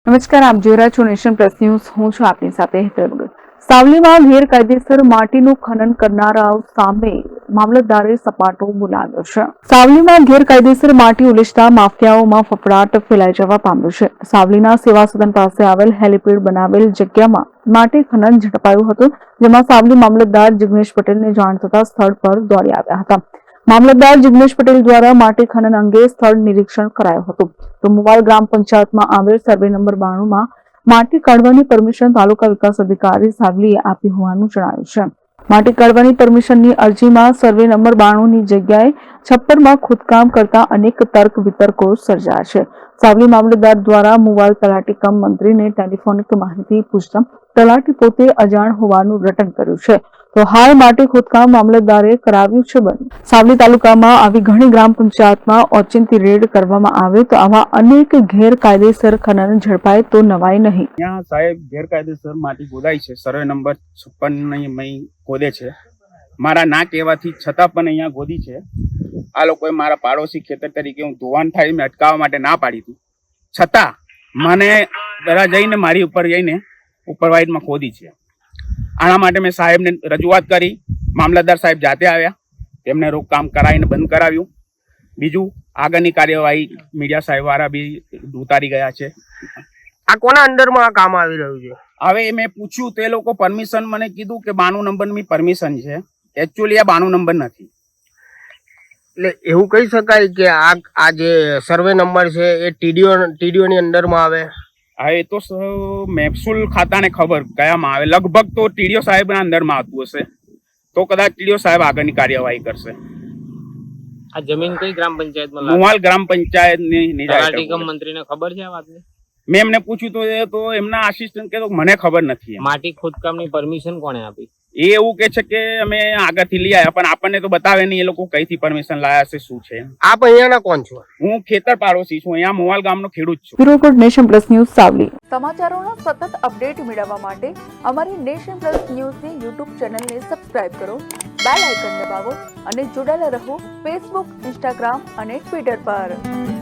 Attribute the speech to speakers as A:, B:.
A: નમસ્કાર, આપ જોઈ રહ્યા છો નેશન પ્લસ ન્યૂઝ. હું છું આપની સાથે હેતલ ભગત. સાવલીમાં ગેરકાયદેસર માટીનું ખનન કરનારાઓ સામે મામલતદારે સપાટો બોલાવ્યો છે. સાવલીમાં ગેરકાયદેસર માટી ઉલેચતા માફિયાઓમાં ફફડાટ ફેલાઈ જવા પામ્યો છે. સાવલીના સેવા સદન પાસે આવેલ હેલીપેડ બનાવેલ જગ્યામાં માટી ખનન ઝડપાયું હતું, જેમાં સાવલી મામલતદાર જિગ્નેશ પટેલને જાણ થતા સ્થળ પર દોડી આવ્યા હતા. મામલતદાર જિગ્નેશ પટેલ દ્વારા માટી ખનન અંગે સ્થળ નિરીક્ષણ કરાયું હતું. તો મુવાલ ગ્રામ પંચાયતમાં આવેલ સર્વે નંબર 92 માં માટી કાઢવાની પરમિશન તાલુકા વિકાસ અધિકારી સાવલીએ આપી હોવાનું જણાવ્યું છે. માટી કાઢવાની પરમિશનની અરજીમાં સર્વે નંબર 92 ની જગ્યાએ છપ્પરમાં ખોદકામ કરતા અનેક તર્ક વિતર્કો સર્જાયા છે. સાવલી મામલતદાર દ્વારા મુવાલ તલાટી કમ મંત્રીને ટેલિફોનિક માહિતી પૂછતા તલાટી પોતે અજાણ હોવાનું રટણ કર્યું છે. તો હાલ માટી ખોદકામ મામલતદારે કરાવ્યું છે બંધ. સાવલી તાલુકામાં આવી ઘણી ગ્રામ પંચાયતમાં ઓચિંતી રેડ કરવામાં આવે તો આવા અનેક ગેરકાયદેસર ખનન ઝડપાય તો નવાય નહીં.
B: यहाँ साहेब ગેરકાયદેસર માટી ખોદાઈ છે. સર્વે નંબર 56 ની ખોદે છે. મારા ના કહેવાથી છતાં પણ અહીંયા ખોદી છે. આ લોકોએ મારા પાડોશી ખેતર તરીકે હું ધોવાણ થાય મેં અટકાવવા માટે ના પાડી હતી, છતાં મને દરા જઈને મારી ઉપર જઈને ઉપરવાઇડમાં ખોદી છે. આના માટે મેં સાહેબને રજૂઆત કરી. મામલતદાર સાહેબ જાતે આવ્યા, તેમને રોકકામ કરાવીને બંધ કરાવ્યું. બીજું આગળની કાર્યવાહી મીડિયા સાહેબ વાળા બી ઉતારી ગયા છે.
C: આ કોના અંડરમાં આ કામ આવી રહ્યું છે?
B: હવે મેં પૂછ્યું તે લોકો પરમિશન મને કીધું કે 92 નંબરની પરમિશન છે. એકચ્યુઅલી આ 92 નંબર નથી.
C: એટલે એવું કહી શકાય કે આ જે સર્વે નંબર છે એ ટીડીઓ ની અંડરમાં આવે?
B: હા, એ તો મહેસૂલ ખાતાને ખબર કયામાં આવે. લગભગ તો ટીડીઓ સાહેબના અંદરમાં આવતું હશે, તો કદાચ ટીડીઓ સાહેબ આગળની કાર્યવાહી કરશે.
D: આ જમીન કઈ ગ્રામ પંચાયતમાં?
B: મુવાલ ગ્રામ પંચાયતની
D: તલાટી કમ મંત્રીને ખબર છે આ વાતની?
B: મેં એમને પૂછ્યું તો એમના આસિસ્ટન્ટ કે મને ખબર નથી.
D: માટી ખોદકામની પરમિશન કોણે આપી?
B: એ એવું કે છે કે અમે આગળથી લઈ આવ્યા, પણ આપણને તો બતાવે નહીં એ લોકો કઈથી પરમિશન લાયા છે, શું છે.
C: આપ અહીંયાના કોણ છો?
B: હું ખેતર પાડોશી છું, અહીંયા મોવાલ ગામનો ખેડૂત છું.
A: Bureau report, nation plus news, Savli. સમાચારોનો સતત અપડેટ મેળવવા માટે અમારી નેશન પ્લસ ન્યૂઝની યુટ્યુબ ચેનલને સબસ્ક્રાઇબ કરો, બેલ આઇકન દબાવો અને જોડાયેલા રહો ફેસબુક, ઇન્સ્ટાગ્રામ અને ટ્વિટર પર.